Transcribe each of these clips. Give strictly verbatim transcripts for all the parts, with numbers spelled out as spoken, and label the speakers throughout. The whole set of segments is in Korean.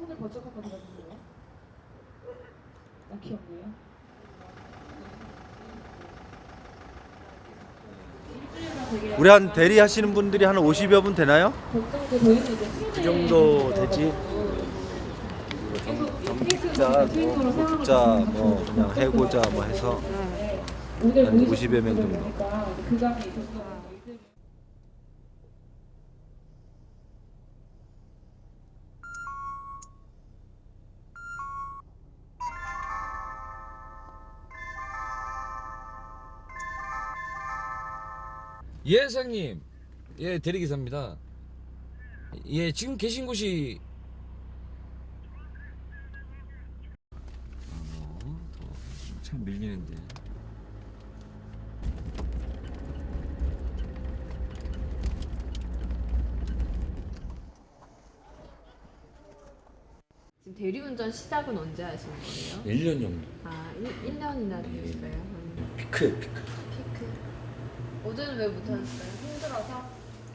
Speaker 1: 손을 번쩍 한번 들어주세요. 나 귀엽네요.
Speaker 2: 우리 한 대리 하시는 분들이 한 오십여 분 되나요? 그 정도 되지. 전북자, 뭐 고자, 뭐 그냥 해고자 뭐 해서 한 오십여 명 정도.
Speaker 3: 예, 사장님. 예, 대리기사입니다. 예, 지금 계신 곳이 어, 참 밀리는데.
Speaker 4: 지금 대리운전 시작은 언제 하신 거예요?
Speaker 3: 일 년 정도.
Speaker 4: 아, 일 년이나 되셨어요? 음.
Speaker 3: 피크에 피크.
Speaker 4: 피크. 어제는 왜 못하셨어요? 힘들어서?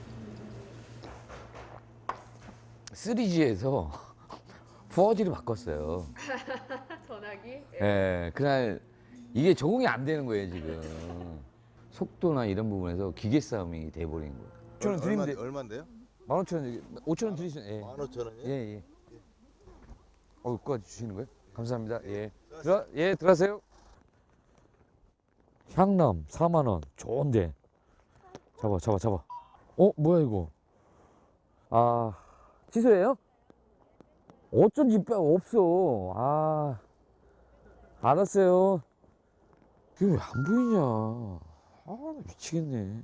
Speaker 5: 쓰리지에서 포어지를 바꿨어요.
Speaker 4: 전화기?
Speaker 5: 예, 그날 이게 적응이 안 되는 거예요 지금. 속도나 이런 부분에서 기계 싸움이 돼버린 거예요. 오천 원 드리면 돼.
Speaker 2: 얼마인데요?
Speaker 5: 만 오천 원, 오천 원 드리시면 예.
Speaker 2: 만 오천 원이요?
Speaker 5: 예, 예. 어, 그거 주시는 거예요? 감사합니다. 예. 들어, 예, 들어가세요. 향남 사만 원. 좋은데. 잡아, 잡아, 잡아. 어, 뭐야 이거? 아, 취소해요? 어쩐지 빼 없어. 아, 알았어요. 이거 왜 안 보이냐? 아, 나 미치겠네.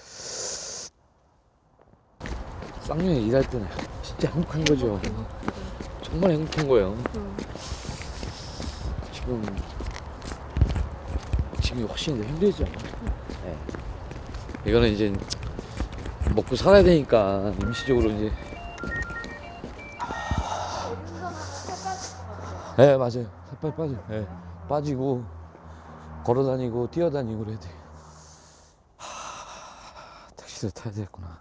Speaker 5: 쌍용에 일할 때는 진짜 행복한 거죠. 정말 행복한 거예요. 지금 지금이 훨씬 더 힘들죠. 네. 이거는 이제 먹고 살아야 되니까 임시적으로 이제. 네, 맞아요. 살빨 빠져. 네. 빠지고 걸어 다니고 뛰어 다니고 그래야 돼. 하, 택시를 타야 되겠구나.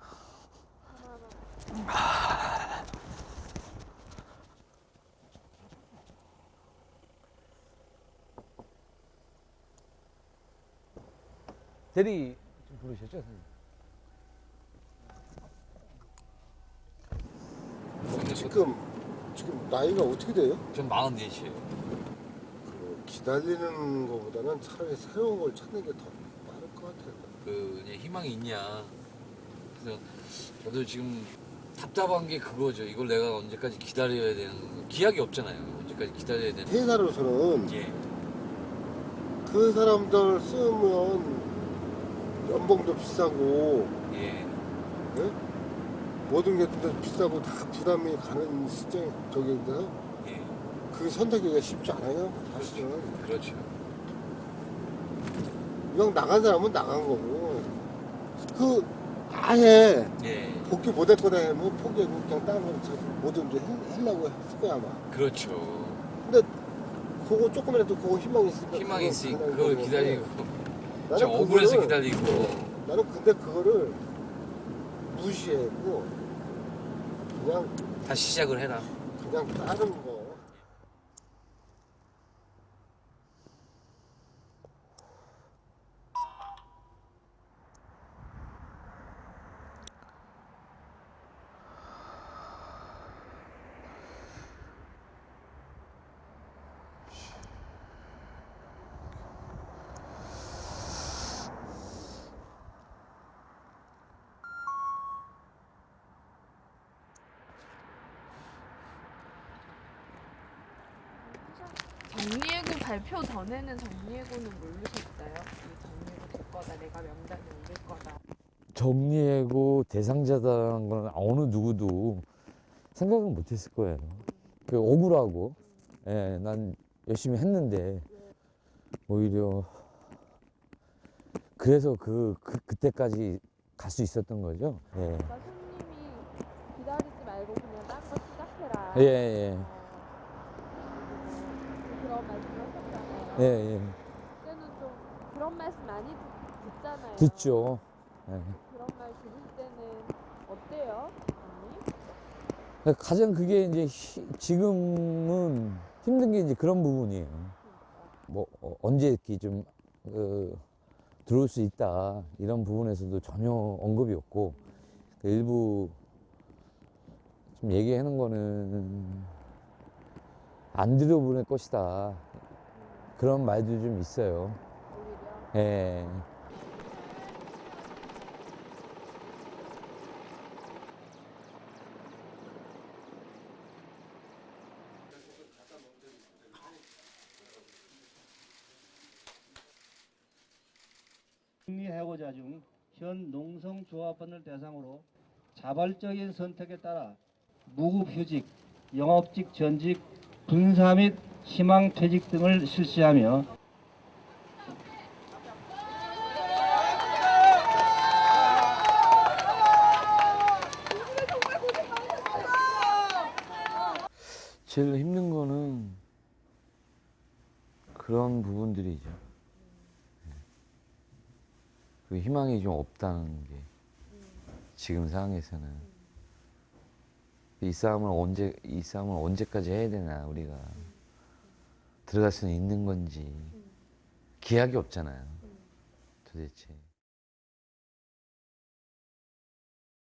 Speaker 5: 대리 좀 부르셨죠, 선생님?
Speaker 6: 지금 지금 나이가 어떻게 돼요?
Speaker 3: 전 마흔넷이에요.
Speaker 6: 그 기다리는 것보다는 차라리 새로운 걸 찾는 게 더 빠를 것 같아요.
Speaker 3: 그 이제 희망이 있냐. 그래서 저도 지금 답답한 게 그거죠. 이걸 내가 언제까지 기다려야 되는 거. 기약이 없잖아요. 언제까지 기다려야 되는.
Speaker 6: 회사로서는
Speaker 3: 예.
Speaker 6: 그 사람들 쓰면 연봉도 비싸고
Speaker 3: 예.
Speaker 6: 예? 모든 게 다 비싸고 다 부담이 가는 시점 저기인데요.
Speaker 3: 예.
Speaker 6: 그 선택하기가 쉽지 않아요. 사실은
Speaker 3: 그렇죠.
Speaker 6: 이왕 나간 사람은 나간 거고 그 아예
Speaker 3: 예.
Speaker 6: 복귀 못할 거다 하면 포기하고 그냥 다른 걸 찾고 뭐든지 해- 하려고 했을 거야 아마.
Speaker 3: 그렇죠.
Speaker 6: 근데 그거 조금이라도 그거 희망이 있으니까
Speaker 3: 희망이 있으니
Speaker 6: 그걸
Speaker 3: 그걸
Speaker 6: 기다리는
Speaker 3: 기다리고.
Speaker 6: 거고.
Speaker 3: 저
Speaker 6: 나는
Speaker 3: 억울해서
Speaker 6: 그거를-
Speaker 3: 기다리고.
Speaker 6: 나는 근데 그거를 무시하고 그냥
Speaker 3: 다시 시작을 해라.
Speaker 6: 그냥 다른 거
Speaker 4: 정리해고 발표 전에는 정리해고는 모르셨어요? 이 정리해고 될 거다, 내가 명단에 올릴 거다.
Speaker 5: 정리해고 대상자다라는 건 어느 누구도 생각은 못했을 거예요. 그 억울하고, 예, 난 열심히 했는데 오히려 그래서 그, 그 그때까지 갈 수 있었던 거죠. 예,
Speaker 4: 그러니까 손님이 기다리지 말고 그냥 딴 거 시작해라.
Speaker 5: 예, 예,
Speaker 4: 그런 말씀하셨잖아요.
Speaker 5: 예, 예.
Speaker 4: 그때는 좀 그런 말씀 많이 듣- 듣잖아요.
Speaker 5: 듣죠. 예.
Speaker 4: 그런 말 들을 때는 어때요, 언니?
Speaker 5: 그러니까 가장 그게 이제 히- 지금은 힘든 게 이제 그런 부분이에요. 뭐 어, 언제 이렇게 좀 어, 들어올 수 있다 이런 부분에서도 전혀 언급이 없고 그 일부 좀 얘기하는 거는 안 들여보낼 것이다 그런 말도 좀 있어요.
Speaker 4: 오히려
Speaker 5: 예.
Speaker 7: 승리해고자 중 현 농성조합원을 대상으로 자발적인 선택에 따라 무급휴직, 영업직 전직, 분사 및 희망퇴직 등을 실시하며
Speaker 5: 제일 힘든 거는 그런 부분들이죠. 그 희망이 좀 없다는 게 지금 상황에서는 이 싸움을 언제 이 싸움을 언제까지 해야 되나 우리가 들어갈 수는 있는 건지 기약이 없잖아요. 도대체.